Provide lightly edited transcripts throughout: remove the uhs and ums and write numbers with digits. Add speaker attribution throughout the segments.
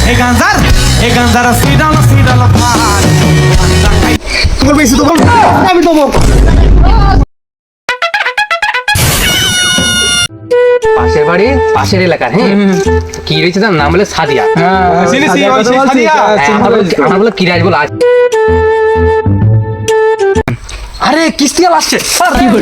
Speaker 1: এই গাঞ্জার সিডাল ভাই
Speaker 2: তোর বেশি তো বল আমি দেবো
Speaker 3: পাশের বাড়ি পাশের এলাকার হ্যাঁ কি রয়েছে তার নাম বলে সাদিয়া আমার বলে কিরাজ বলে আজ আরে কিস্তিয়াল আসছে কি করে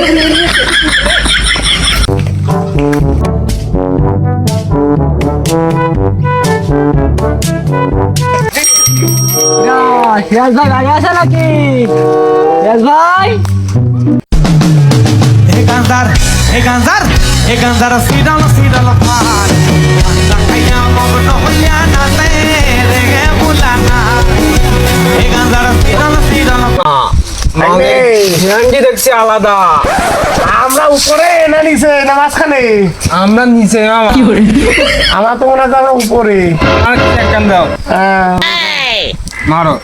Speaker 4: ভাই গাড়ি আছে নাকি ভাই
Speaker 1: এই গাঞ্জার সিডাল ভাই খাইয়া মগ্ন হইয়া নাচে রে বুলানা এই গাঞ্জার সিডাল
Speaker 3: ঝান্ডি দেখছি আলাদা
Speaker 2: আমরা উপরে না নিচে না মাঝখানে
Speaker 3: আমরা নিচে মামা
Speaker 4: কি করে
Speaker 2: আমার তো মনে হয় উপরে
Speaker 3: আর কি একখান দাও মারো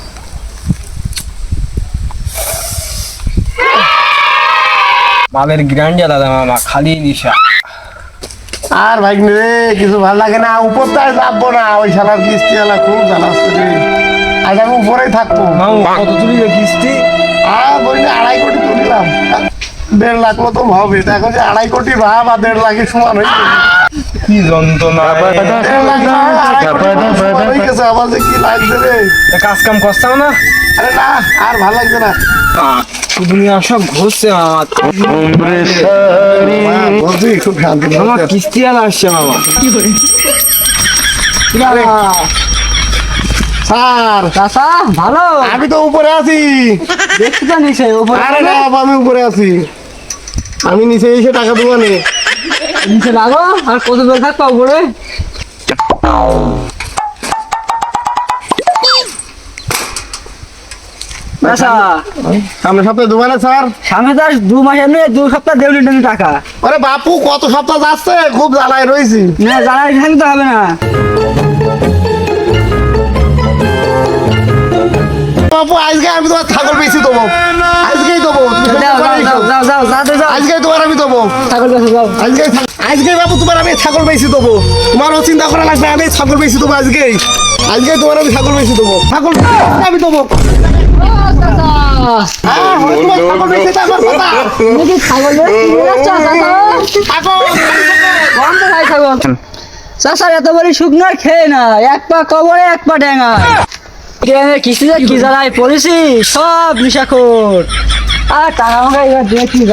Speaker 3: মালের গ্র্যান্ড দাদা মামা খালি নিশা
Speaker 2: আর ভাই রে কিছু ভালো লাগে না উপরটা যাবো না ওই শালার কিস্তি আলা খুব জ্বালাস রে আজ আমি উপরেই থাকবো
Speaker 3: মামা কত তুলি কিস্তি
Speaker 2: আর বলি 2.5 কোটি তুলিলাম 1.5 লাখ মতো হবে এখন যে 2.5 কোটি ভাব আর 1.5 লাখের সমান হয়েছে
Speaker 3: কি যন্ত্রণা
Speaker 2: আমার যে কি লাগছে রে
Speaker 3: কাজ কাম করছাও না
Speaker 2: আরে না আর ভালো লাগছে না
Speaker 3: দুনিয়া সব ঘুরছে আমার
Speaker 2: বলছি খুব শান্তি
Speaker 3: মামা কিস্তি আর আসছে মামা
Speaker 4: কি করে
Speaker 2: স্যার
Speaker 4: চাচা ভালো
Speaker 2: আমি তো উপরে আছি
Speaker 4: দেখছি তো নিচে উপরে
Speaker 2: আরে না আমি উপরে আছি আমি নিচে এসে টাকা দেবো নে
Speaker 4: নিচে লাগো আর কত দূর থাকবো উপরে আচ্ছা
Speaker 2: সামনে সপ্তাহে দেবো না স্যার
Speaker 4: সামনে তো আর 2 মাস এমনি 2 সপ্তাহ দেড় লিটার টাকা
Speaker 2: আরে বাপু কত সপ্তাহ যাচ্ছে খুব জ্বালায় রয়েছি
Speaker 4: না জানার এখানে তো হবে না
Speaker 2: বাপু আজকে আমি তোমার ছাগল বেশি দেবো আজকেই দেবো আজকে তোমার আমি দেবো
Speaker 4: ছাগল বেচে যাও
Speaker 2: আজকে বাবু তোমার আমি ছাগল বেশি দেবো তোমারও চিন্তা করা লাগবে আমি ছাগল বেশি দেবো আজকে তোমার আমি ছাগল বেশি দেবো ছাগল আমি দেবো ছাগল বেশি দেবো
Speaker 4: ছাগল চাষার এত বড় শুকনো খেয়ে না এক পা কবরে এক পা ডেঙা কিস্তি কি জ্বালায় পড়েছি সব নিশাখোর আর টাকা আমাকে এবার দিয়ে কি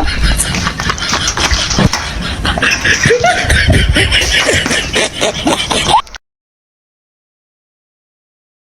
Speaker 4: জ্বালা